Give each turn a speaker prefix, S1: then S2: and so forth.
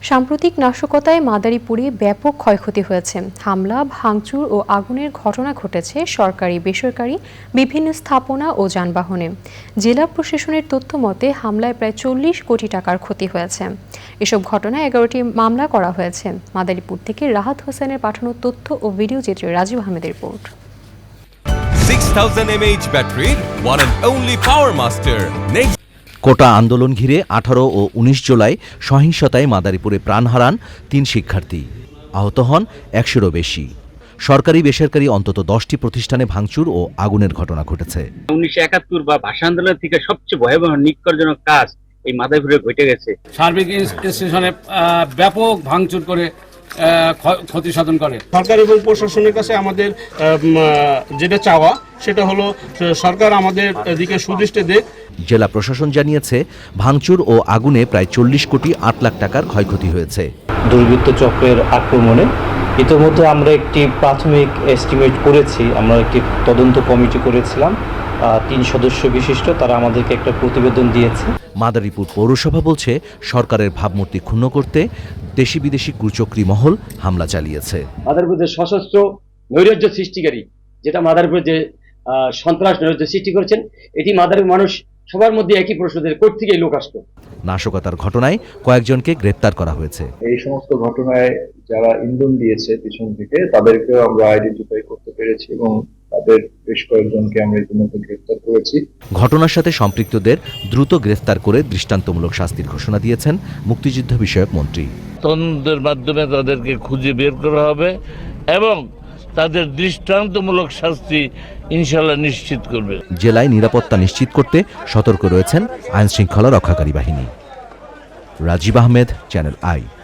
S1: সাম্প্রতিক নাশকতায় মাদারীপুরে ব্যাপক ক্ষয়ক্ষতি হয়েছে। হামলা, ভাঙচুর ও আগুনের ঘটনা ঘটেছে সরকারি, বেসরকারি বিভিন্ন স্থাপনা ও যানবাহনে। জেলা প্রশাসনের তথ্য মতে হামলায় প্রায় 40 কোটি টাকার ক্ষতি হয়েছে। এসব ঘটনায় 11টি মামলা করা হয়েছে। মাদারীপুর থেকে রাহাত হোসেনের পাঠানো তথ্য ও ভিডিও চিত্রে রাজীব আহমেদের রিপোর্ট।
S2: 6000 mAh ব্যাটারির one and only power master next
S3: quota আন্দোলন ঘিরে 18 ও 19 জুলাই সহিংসতায় মাদারীপুরে প্রাণ হারান 3 শিক্ষার্থী, আহত হন 100-এরও বেশি। সরকারি বেসরকারি অন্তত 10টি প্রতিষ্ঠানে ভাঙচুর ও আগুনের ঘটনা ঘটেছে।
S4: 1971 বা ভাষা আন্দোলন থেকে সবচেয়ে ভয়াবহ নিষ্কর্ষজনক কাজ এই মাদারীপুরে ঘটে গেছে।
S5: সার্বিক স্টেশনে ব্যাপক ভাঙচুর করে ক্ষতি সাধন করে।
S6: সরকার এবং প্রশাসনের কাছে আমাদের যেটা চাওয়া সেটা হলো সরকার আমাদের দিকে সুদৃষ্টি দেখ।
S3: জেলা প্রশাসন জানিয়েছে ভাঙচুর ও আগুনে প্রায় 40 কোটি 8 লাখ টাকার ক্ষয়ক্ষতি হয়েছে।
S7: দুর্বৃত্ত চক্রের আক্রমণে ইতিমধ্যে আমরা একটি প্রাথমিক এস্টিমেট করেছি। আমরা একটি তদন্ত কমিটি করেছিলাম 3 সদস্য বিশিষ্ট, তারা আমাদেরকে একটা প্রতিবেদন দিয়েছে।
S3: মাদারীপুর পৌরসভা বলছে সরকারের ভাবমূর্তি ক্ষুণ্ণ করতে দেশি বিদেশি কুচক্রী মহল হামলা চালিয়েছে।
S8: মাদারীপুরে সশস্ত্র নৈরাজ্য সৃষ্টিকারী, যেটা মাদারীপুরে যে সন্ত্রাস নৈরাজ্য সৃষ্টি করেছেন, এটি মাদারীপুর মানুষ সবার মধ্যে একই প্রশ্নের কোথা থেকে লোক আসতো।
S3: নাশকতার ঘটনায় কয়েকজনকে গ্রেপ্তার করা হয়েছে।
S9: এই সমস্ত ঘটনায় যারা ইন্ধন দিয়েছে পিছন থেকে তাদেরকেও আমরা আইডেন্টিফাই করতে পেরেছি এবং তাদের বেশ কয়েকজনকে আমরা ইতিমধ্যে গ্রেফতার করেছি।
S3: ঘটনার সাথে সম্পৃক্তদের দ্রুত গ্রেফতার করে দৃষ্টান্তমূলক শাস্তির ঘোষণা দিয়েছেন মুক্তিযুদ্ধ বিষয়ক মন্ত্রী।
S10: তদন্তের মাধ্যমে তাদেরকে খুঁজে বের করা হবে এবং তাদের দৃষ্টান্তমূলক শাস্তি ইনশাআল্লাহ নিশ্চিত করবে।
S3: জেলায় নিরাপত্তা নিশ্চিত করতে সতর্ক রয়েছেন আইনশৃঙ্খলা রক্ষাকারী বাহিনী। Rajib Ahmed, channel I.